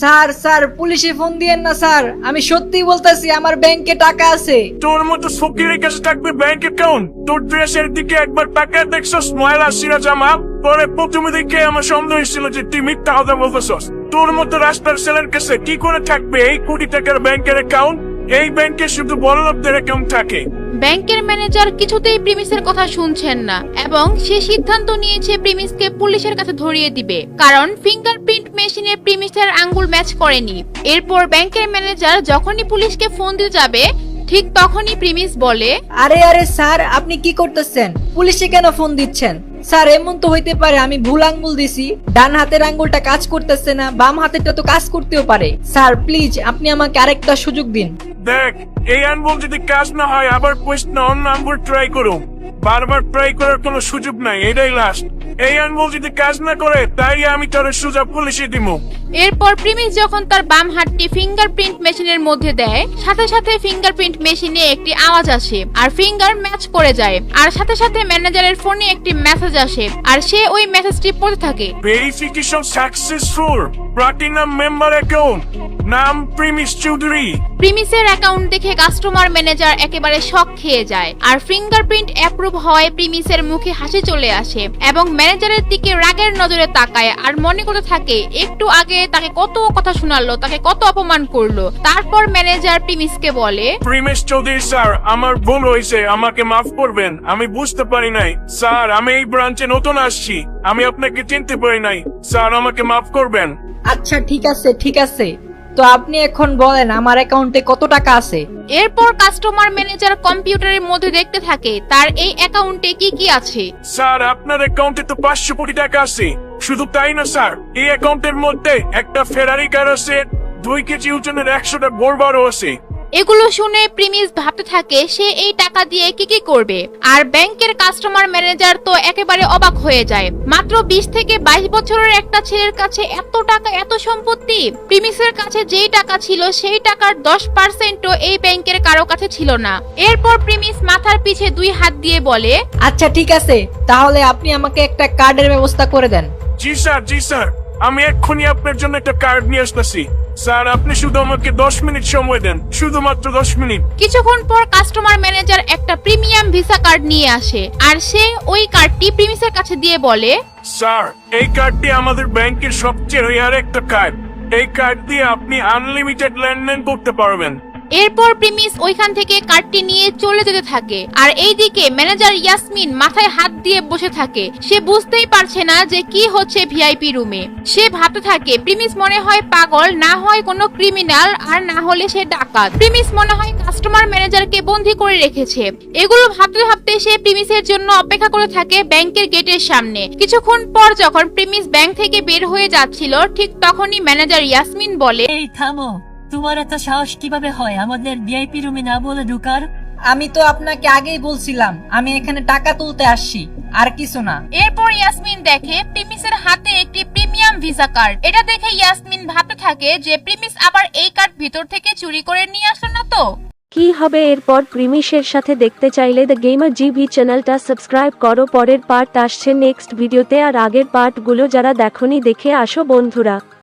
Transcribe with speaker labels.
Speaker 1: Sir sir পুলিশে phone দিয়েন না স্যার, আমি সত্যি বলতেছি আমার ব্যাংকে টাকা আছে।
Speaker 2: তোর মতো ফকিরের কাছে থাকবে ব্যাংক অ্যাকাউন্ট? তোর ড্রেসের দিকে একবার টাকা দেখছস ময়লা সিরা জামা পরে প্রথমে দেখে আমার সন্দেহ হয়েছিল যে তুই মিথ্যা কথা বলতেছস। তোর মতো রাস্তার ছেলের কাছে কি করে থাকবে এই কোটি টাকার ব্যাংকের অ্যাকাউন্ট? এই ব্যাংকে শুধু বড়লোকদের অ্যাকাউন্ট থাকে।
Speaker 3: ব্যাংকের ম্যানেজার কিছুতেই প্রিমিসের কথা শুনছেন না এবং সে সিদ্ধান্ত নিয়েছে প্রিমিসকে পুলিশের কাছে ধরিয়ে দিবে, কারণ ফিঙ্গারপ্রিন্ট মেশিনে প্রিমিসের আঙ্গুল ম্যাচ করেনি। এরপর ব্যাংকের ম্যানেজার যখনই পুলিশকে ফোন দিতে যাবে ঠিক তখনই প্রিমিস বলে,
Speaker 1: আরে আরে স্যার আপনি কি করতেছেন? পুলিশে কেন ফোন দিচ্ছেন? স্যার এমন তো হইতে পারে আমি ভুল আঙ্গুল দিছি, ডান হাতের আঙ্গুলটা কাজ করতেছে না, বাম হাতেরটা তো কাজ করতেও পারে। স্যার প্লিজ আপনি আমাকে আরেকটা সুযোগ দিন।
Speaker 2: দেখ, এই আঙ্গুল যদি কাজ না হয় আবার কোয়েশ্চন অন্য আঙ্গুল ট্রাই করো। বারবার ট্রাই করার কোনো সুযোগ নাই, এটাই লাস্ট। এই আঙ্গুল যদি কাজ না করে তাই আমি তোর সুযোগ পুলিশে দিব।
Speaker 3: এরপর প্রিমিস যখন তার বাম হাতটি ফিঙ্গারপ্রিন্ট মেশিনের মধ্যে দেয় সাথে সাথে ফিঙ্গারপ্রিন্ট মেশিনে একটি আওয়াজ আসে আর ফিঙ্গার ম্যাচ করে যায়, আর সাথে সাথে ম্যানেজারের ফোনে একটি মেসেজ আসে আর সে ওই মেসেজটি পড়তে থাকে।
Speaker 2: Verification successful, platinum member account, নাম প্রিমিস চৌধুরী।
Speaker 3: প্রিমিসের অ্যাকাউন্ট দেখে কাস্টমার ম্যানেজার একেবারে শক খেয়ে যায় আর ফিঙ্গারপ্রিন্ট অ্যাপ্রুভ হয় প্রিমিসের মুখে হাসি চলে আসে এবং ম্যানেজারের দিকে রাগের নজরে তাকায় আর মনে করতে থাকে একটু আগে তাকে কত কথা শোনালো, তাকে কত অপমান করলো। তারপর ম্যানেজার প্রিমিসকে বলে,
Speaker 2: প্রিমিস চৌধুরী স্যার, আমার ভুল হয়েছে, আমাকে মাফ করবেন। আমি বুঝতে পারি নাই স্যার, আমি এই ব্রাঞ্চে নতুন আসছি, আমি আপনাকে চিনতে পারি নাই স্যার, আমাকে মাফ করবেন।
Speaker 1: আচ্ছা ঠিক আছে ঠিক আছে, তো আপনি এখন বলেন আমার অ্যাকাউন্টে কত টাকা আছে?
Speaker 3: এরপর কাস্টমার ম্যানেজার কম্পিউটারের মধ্যে দেখতে থাকে তার এই অ্যাকাউন্টে কি কি আছে।
Speaker 2: স্যার আপনার অ্যাকাউন্টে তো 500 কোটি টাকা আছে। শুধু তাই না স্যার, এই অ্যাকাউন্টের মধ্যে একটা ফেরারি কার আছে, 2 কেজি ওজনের 100টা বোরবারও আছে।
Speaker 3: এগুলো শুনে প্রিমিস ভাবতে থাকে সে এই টাকা দিয়ে কি কি করবে, আর ব্যাংকের কাস্টমার ম্যানেজার তো একেবারে অবাক হয়ে যায়। মাত্র 20 থেকে 22 বছরের একটা ছেলের কাছে এত টাকা, এত সম্পত্তি। প্রিমিসের কাছে যেই টাকা ছিল সেই টাকার 10%ও এই ব্যাংকের কারো কাছে ছিল না। এরপর প্রিমিস মাথার পিছে 2 হাত দিয়ে বলে,
Speaker 1: আচ্ছা ঠিক আছে, তাহলে আপনি আমাকে একটা কার্ডের ব্যবস্থা করে দেন।
Speaker 2: জি স্যার, জি স্যার, আমি এক্ষুনি আপনার জন্য একটা কার্ড নিয়ে আসতেছি। স্যার আপনি শুধু আমাকে 10 মিনিট সময় দেন, শুধুমাত্র 10 মিনিট।
Speaker 3: কিছুক্ষণ পর কাস্টমার ম্যানেজার একটা প্রিমিয়াম ভিসা কার্ড নিয়ে আসে আর সে ওই কার্ডটি প্রিমিসের কাছে দিয়ে বলে,
Speaker 2: স্যার এই কার্ডটি আমাদের ব্যাংকের সবচেয়ে রেয়ার একটা কার্ড। এই কার্ড দিয়ে আপনি আনলিমিটেড লেনদেন করতে পারবেন।
Speaker 3: এরপর প্রিমিস ওইখান থেকে কার্ডটি নিয়ে চলে যেতে থাকে আর এইদিকে ম্যানেজার ইয়াসমিন মাথায় হাত দিয়ে বসে থাকে। সে বুঝতেই পারছে না যে কি হচ্ছে ভিআইপি রুমে। সে ভাবতে থাকে প্রিমিস মনে হয় পাগল, না হয় কোনো ক্রিমিনাল, আর না হলে সে ডাকাত। প্রিমিস মনে হয় কাস্টমার ম্যানেজারকে বন্দী করে রেখেছে। এগুলো ভাবতে ভাবতে সে প্রিমিসের জন্য অপেক্ষা করে থাকে ব্যাংকের গেটের সামনে। কিছুক্ষণ পর যখন প্রিমিস ব্যাংক থেকে বের হয়ে যাচ্ছিল ঠিক তখনই ম্যানেজার ইয়াসমিন বলে,
Speaker 4: এই থামো, তোমার এত সাহস কিভাবে হয় আমাদের ভিআইপি রুমে না বলে ঢুকার?
Speaker 1: আমি তো আপনাকে আগেই বলছিলাম আমি এখানে টাকা তুলতে আসছি, আর কিছু না।
Speaker 3: এরপর ইয়াসমিন দেখে প্রিমিসের হাতে একটি প্রিমিয়াম ভিসা কার্ড। এটা দেখে ইয়াসমিন ভাবতে থাকে যে প্রিমিস আবার এই কার্ড ভিতর থেকে চুরি করে নিয়ে আসলো না তো।
Speaker 5: কি হবে এরপর প্রিমিসের সাথে দেখতে চাইলে দ্য গেমার জিবি চ্যানেলটা সাবস্ক্রাইব করো। পরের পার্ট আসছে নেক্সট ভিডিওতে, আর আগের পার্টগুলো যারা দেখোনি দেখে আসো বন্ধুরা।